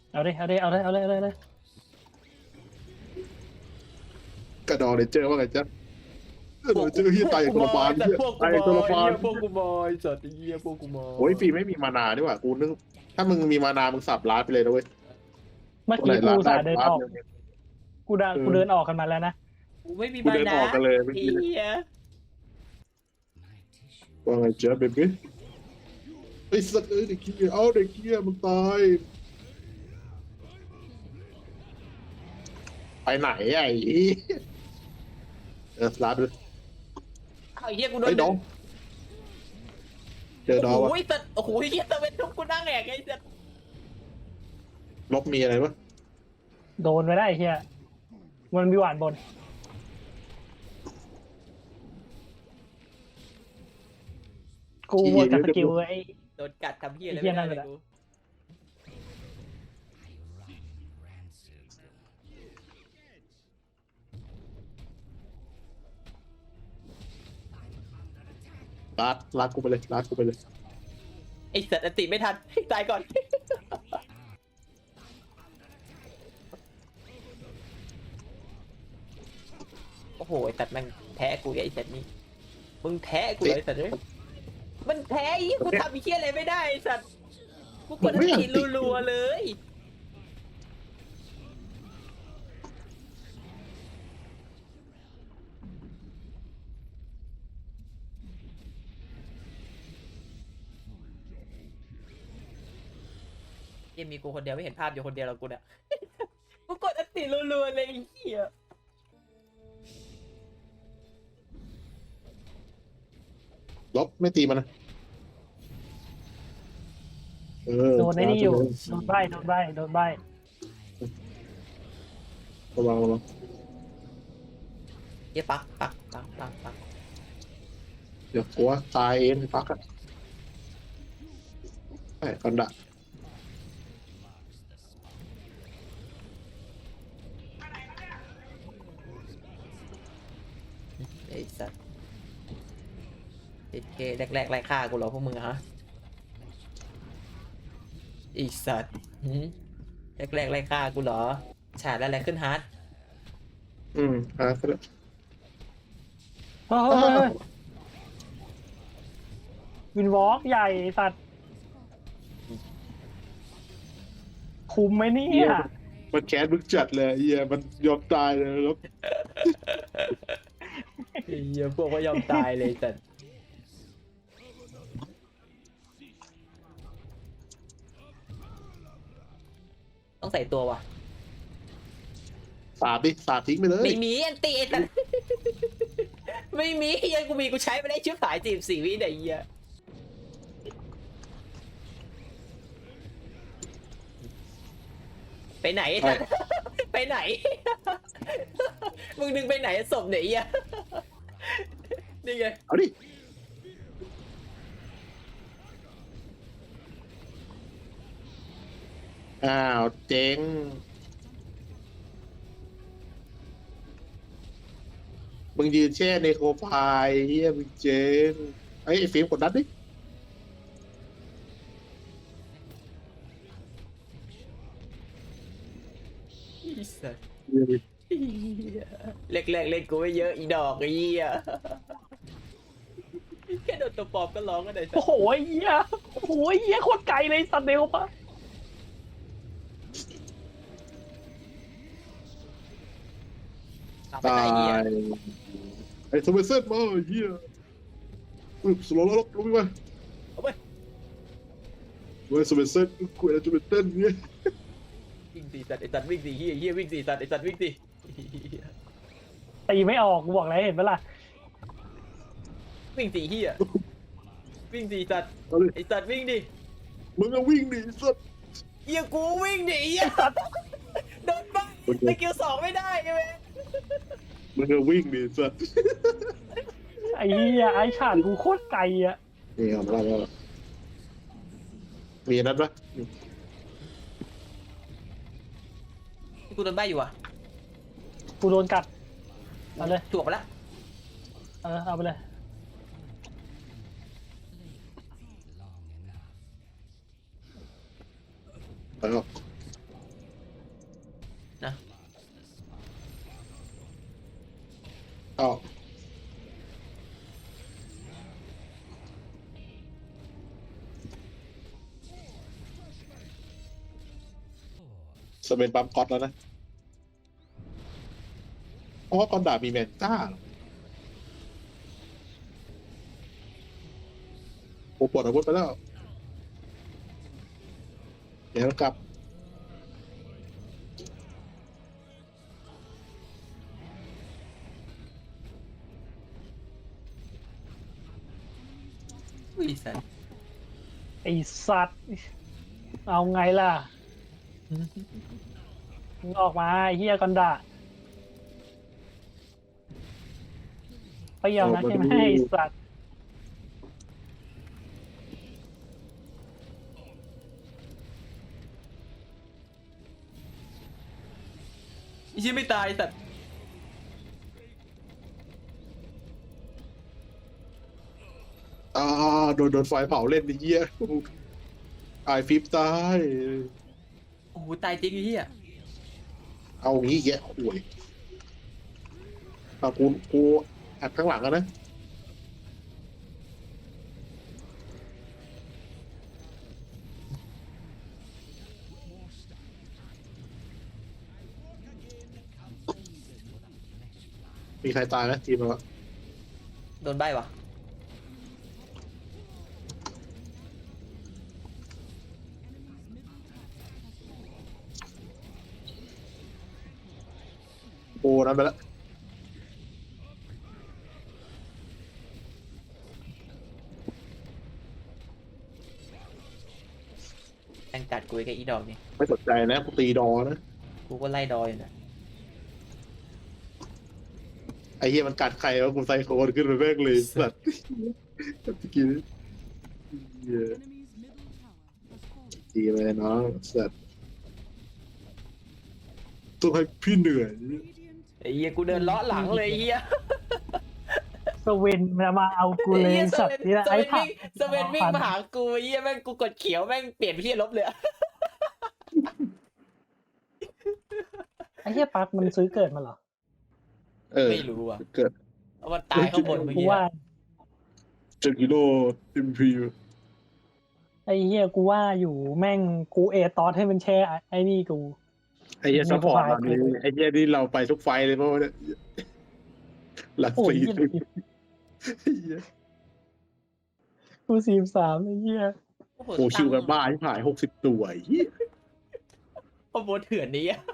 เอาดิเอาดิเอาเลยเอาเลยเอาเลยเอาเลยกระดองเลเจอร์ว่าไงจ๊ะกระดองเลเจอร์ที่ตายตัวละบาลแต่ที่พวกกูตายบอตัวละยบาลพวกกูบอยจัดไอ้เหี้ยพวกกูบอยโอ้ยฟีไม่มีมานาดีกว่ากูนึกถ้ามึงมีมานามึงสับล้านไปเลยนะเว้ยเมื่อตัวไหนกี้กูล้านอุตได้สาห์เดินล้านออกหนึ่งกูเดินออกกันมาแล้วนะกูไม่มีกูมาเดินนะออกกันเลยเมื่อกี้เหี้ยว่าไงจ๊ะเบบี้ไอ้สัตว์เอ้ยเด็กเกี้ยเอาเด็กเกี้ยมึงตายไปไหนไอ้ล้านด้วยเอาไอ้เหี้ยกูโดไอ้นน้องเจอดอโอ้วโหวะแต่โอ้โหเหี้ยแต่เป็นทุกกูนั่งแหกไอ้สัสลบมีอะไรวะโดนไปได้ไอ้เฮียมันมีหวานบนกูหมดจากสกิลไอ้โดนกัดทำเหี้ยอะไรไอ้เหี้ไม่ยนั่ได้นเลเลย ยกูลาดกูไปเลยลาดกูไปเลยไอ้สัตว์อันติไม่ทันตายก่อนโอ้โหไอ้สัตว์แม่งแพ้กูไอ้สัตว์นี่มึงแพ้กูเลยไอ้สัตว์เอ้ยมันแพ้ไอ้กูทำไอ้เหี้ยอะไรไม่ได้ไอ้สัตว์กูกดอันติรัวๆเลยยังมีกูคนเดียวไม่เห็นภาพอยู่คนเดียวแล้วกูเนี่ย กูกดอันติรัวๆเลยไอ้เหี้ยลบไม่ตีมันนะโดนไอ้นี่อยู่โดนใบโดนใบโดนใบระวังระวังเหี้ยปักเดี๋ยวกลัวตายเองปักอะไอ้กันดะไอ้สัตว์ไอ้เคแรกๆไล่ฆ่ากูเหรอพวกมึงอะฮะไอ้สัตว์แรกๆไล่ฆ่ากูเหรอฉาดอะไรขึ้นฮาร์ดก็ได้เฮ้ยวินวอล์กใหญ่สัตว์คุมไหมเนี่เหี้ยยมันแค้นมึงจัดเลยเหี้ยมันยอมตายเลยแล้วไอ้เหี้ยพวกก็ยอมตายเลยสัตว์ต้องใส่ตัววะสาดดิสาดทิ้งไปเลยไม่มีอันตีไอ้สัตว์ ไม่มีเฮียกูใช้ไปได้ชิบหาย44 วิไหนเฮียไปไหนไอ้สัตว์ ไปไหน มึงดึงไปไหนศพไหนเฮีย นี่ไงเอาดิอ้าวเจ๊งมึงยืนแช่ในโคไฟเฮียมึงเจ๊งไอ้ฟิล์มกดดันดิไอ้สัตว์เหี้ยแรกๆเล่นกูไม่เยอะอีดอกไอ้เหี้ย แค่โดนตัวปลอมก็ร้องก็ได้สัตโอ้ว์โหไอ้เหี้ยโอ้โหไอ้เหี้ยโคตรไกลเลยสัตว์เร็วปะเอาไปตาไหนเหี้ยยไอ้สมัยเซตมาเฮียสโลว์ลบลงไปเอาไปเว้ยสมัยเซตกูอะไรจะเป็นเต้นเนี่ยวิ่งสี่สัตว์ไอ้สัตว์วิ่งสี่เหี้ยวิ่งสี่สัตว์ไอ้สัตว์วิ่งสี่เหี้ยตีไม่ออกกูบอกแล้วเห็นปะล่ะวิ่งสี่เหี้ยวิ่งสี่สัตว์เอาดิไอ้สัตว์วิ่งดิมึงก็วิ่งดิสัตว์เหี้ยกูวิ่งดิเหี้ยสัตว์โดนบ้าสกิล2ไม่ได้ใช่ไหมมึงก็วิ่งดิสัตว์ไอ้เหี้ยไอ้ฉาดกูโคตรไกลอ่ะนี่เอามาแล้วมีนัดปะกูโดนใบอยู่อ่ะกูโดนกัดเอาเลยถ่วงไปแล้วเอาไปเลยไปหรอกนะอ้าวสเปนปั๊มก๊อตแล้วนะเพราะว่าก้อนดาบมีแมนต้าโอ้ปวดอาวุธไปแล้วเดี๋ยวกลับอุ้ยสัตว์ไอสัตว์เอาไงล่ะมึงออกมาไอ้เฮียกันดะไปยอมนะใช่ไหมไอสัตว์ไอ้เหี้ยไม่ตายสัตว์อ่าโดนไฟเผาเล่นไอ้เหี้ยไอฟิปตายโอ้โหตายจริงไอ้เหี้ยเอางี้แกห่วยกูแอบข้างหลังอะนะมีใครตายไหมทีมเราอะโดนใบวะโอ้นั้นไปแล้วแม่งกัดกูไอ้อีดอกนี่ไม่สนใจนะกูตีดอนะกูก็ไล่ดอยอยู่นะไอ้เหี้ยมันกัดใครวะกูไซโคนขึ้นไปแม่งเลยสัตว์เมื่อกี้เหี้ยดีเลยน้องสัตว์ต้องให้พี่เหนื่อยไอ้เหี้ยกูเดินเลาะหลังเลยไอ้เหี้ยสเวนมาเอากูเลยสัตว์นี่แหละไอ้ผักสเวนวิ่งมาหากูไอ้เหี้ยแม่งกูกดเขียวแม่งเปลี่ยนไปที่ลบเลยอะไอ้เฮียปักมันซื้อเกิดมาเหรอไม่รู้อ่ะเกิดเอามันตายข้างบนเมื่อกูกี้ว่า 7 กิโลอิมพีไอ้เฮียกูว่าอยู่แม่งกูเอตอสให้มันแช่ไอ้นี่กูไอ้เหี้ยซัพพอร์ตตอนนี้ไอ้เหี้ยนี่เราไปทุกไฟเลยเพราะว่าเนี่ยหลักโอ้ยสี่เหี้ย กู43ไอ้เฮียโอ้โหโอ้ชิวกันบ้าที่ผ่าย60 ตัวไอ้เหี้ยโอ้โหเถื่อนนี้อะ